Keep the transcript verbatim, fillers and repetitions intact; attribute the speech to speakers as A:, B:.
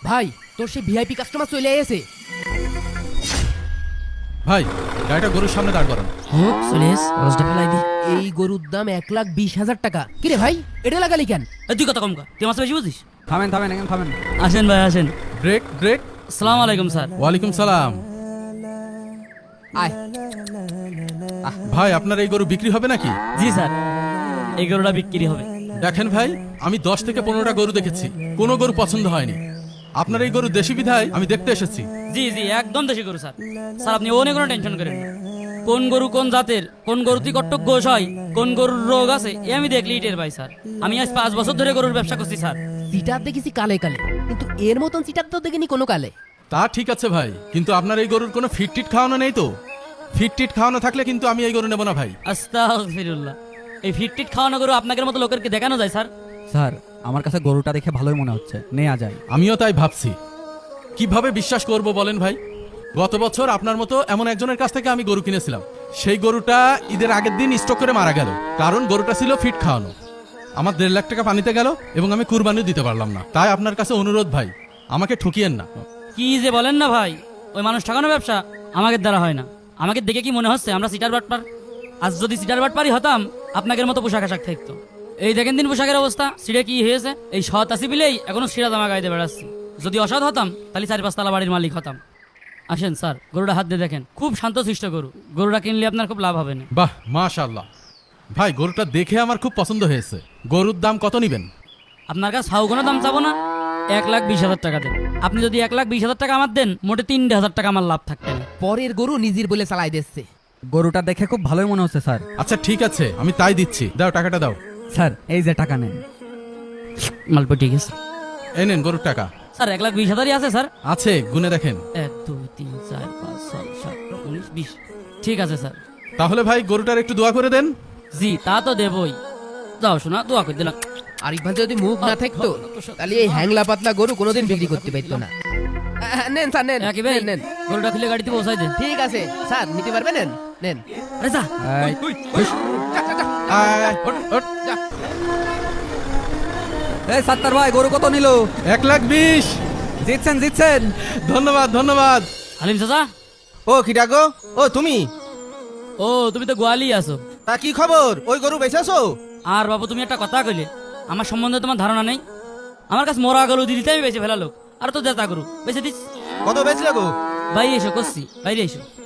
A: ভাই তোর সেই ভিআইপি কাস্টমার চলে এসেছে।
B: ভাই গাড়িটা গরুর সামনে দাঁড় করান।
A: হোক চলে এস রসটা ফেলাই দি। এই গরুর দাম এক লাখ বিশ হাজার টাকা। কিরে ভাই এটা লাগালি কেন?
C: এ তুই কথা কম কর, তুই আমার বেশি বুঝিস।
D: থামেন থামেন এখানে থামেন।
C: আসেন ভাই আসেন।
B: Brake brake.
C: আসসালামু আলাইকুম স্যার।
B: ওয়ালাইকুম সালাম।
A: আয়
B: ভাই আপনার এই গরু বিক্রি হবে নাকি?
C: জি স্যার, এই গরুটা বিক্রি হবে।
B: দেখেন ভাই, আমি দশ থেকে পনেরোটা গরু দেখেছি, কোনো গরু পছন্দ হয়নি। আপনার এই গরু দেশি বিধায় আমি দেখতে এসেছি।
C: জি জি একদম দেশি গরু স্যার। স্যার আপনি অনেক কোনো টেনশন করেন না। কোন গরু কোন জাতের, কোন গরুতে কট্টক গোশ হয়, কোন গরুর রোগ আছে এ আমি দেখলেই টের পাই স্যার। আমি আজ পাঁচ বছর ধরে গরুর ব্যবসা করছি স্যার।
A: চিটার দেখেছি কালে কালে, কিন্তু এর মতন চিটার তো দেখিনি কোনো কালে।
B: তা ঠিক আছে ভাই, কিন্তু আপনার এই গরুর কোনো ফিট টিট খাওয়ানো নেই তো? ফিট টিট খাওয়ানো থাকলে কিন্তু আমি এই গরু নেব না ভাই।
C: আস্তাগফিরুল্লাহ, এই ফিটটিট খাওয়ানো গরু আপনাদের মতো লোকেরকে দেখানো যায় স্যার?
D: স্যার আমার কাছে গরুটা দেখে ভালোই মনে হচ্ছে, নেওয়া যায়।
B: আমিও তাই ভাবছি। কিভাবে বিশ্বাস করব বলেন ভাই? গত বছর আপনার মতো এমন একজনের কাছ থেকে আমি গরু কিনেছিলাম। সেই গরুটা ঈদের আগের দিন স্ট্রোক করে মারা গেল, কারণ গরুটা ছিল ফিট খাওয়ানো। আমার দেড় লাখ টাকা পানিতে গেল এবং আমি কুরবানিও দিতে পারলাম না। তাই আপনার কাছে অনুরোধ ভাই, আমাকে ঠকিয়েন না।
C: কি যে বলেন না ভাই, ওই মানুষ ঠকানো ব্যবসা আমাদের দ্বারা হয় না। আমাকে দেখে কি মনে হচ্ছে আমরা সিটার বাটপার? আজ যদি সিটার বাটপারই হতাম আপনাদের মতো পোশাক আশাক থাকতো। এই দেখেন দিন পোশাকের অবস্থা, সিটে কি হয়েছে। এই সৎ আসি বিলেই এখনো সিরা জামা গাইতে বেড়াচ্ছি। যদি অসৎ হতাম তাহলে চারি পাঁচতলা বাড়ির মালিক হতাম। আসেন স্যার, গরুটা হাত দিয়ে দেখেন, খুব শান্তশিষ্ট গরু। গরুটা কিনলে আপনার খুব লাভ হবে না।
B: বাহ মাশাআল্লাহ ভাই, গরুটা দেখে আমার খুব পছন্দ হয়েছে। গরুর দাম কত নিবেন?
C: আপনার কাছে হাউ কোনো দাম চাবো না, এক লাখ বিশ হাজার টাকা দেন। আপনি যদি এক লাখ বিশ হাজার টাকা আমার দেন, মোটে তিন হাজার টাকা আমার লাভ থাকবে না।
A: পরের গরু নিজের বলে চালাই দিচ্ছে।
D: গরুটা দেখে খুব ভালোই মনে হচ্ছে স্যার।
B: আচ্ছা ঠিক আছে, আমি তাই দিচ্ছি। দাও টাকাটা দাও।
D: স্যার এই যে টাকা নেন।
C: মালপো ঠিক আছে
B: এই নেন গরুর টাকা।
C: স্যার, এক লাখ বিশ হাজারই আছে স্যার।
B: আছে, গুনে দেখেন।
C: এক দুই তিন চার পাঁচ ছয় সাত উনিশ বিশ। ঠিক আছে স্যার।
B: তাহলে ভাই গরুটার একটু দোয়া করে দেন।
C: জি তা তো দেবই। যাও শোনা, দোয়া করে দিলাম।
A: আরিফ ভাই যদি মুখ না থাকতো তাহলে এই হ্যাংলা পাতলা গরু কোনোদিন বিক্রি করতে পারতো না। আহ, নেন স্যার নেন
C: একই ভাই,
A: নেন, নেন।
C: গরুটা খুলে গাড়িতে পৌঁছাই দেন।
A: ঠিক আছে স্যার, নিতে পারবেন? নেন নেন।
C: আরে যা।
D: এই,
A: যা, যা, যা।
B: আয়, ওঠ, ওঠ।
A: যা।
D: এই সাত্তার ভাই গরু কত নিল?
B: এক লাখ বিশ।
D: জিতছেন জিতছেন।
B: ধন্যবাদ ধন্যবাদ।
C: হালিম চাচা।
E: ও কিটা গো? ও তুমি?
C: ও তুমি তো গোয়ালি আছো।
E: তা কি খবর? ওই গরু বেচাছো?
C: আর বাবু তুমি একটা কথা কইলে, আমার সম্বন্ধে তোমার ধারণা নেই। আমার কাছে মরা গরু দিতে আমি বেঁচে ফেলা লোক, আর তো জেতা গরু বেঁচে দিস।
E: কত বেচলে গো?
C: ভাই এসো করছি, বাইরে এসো।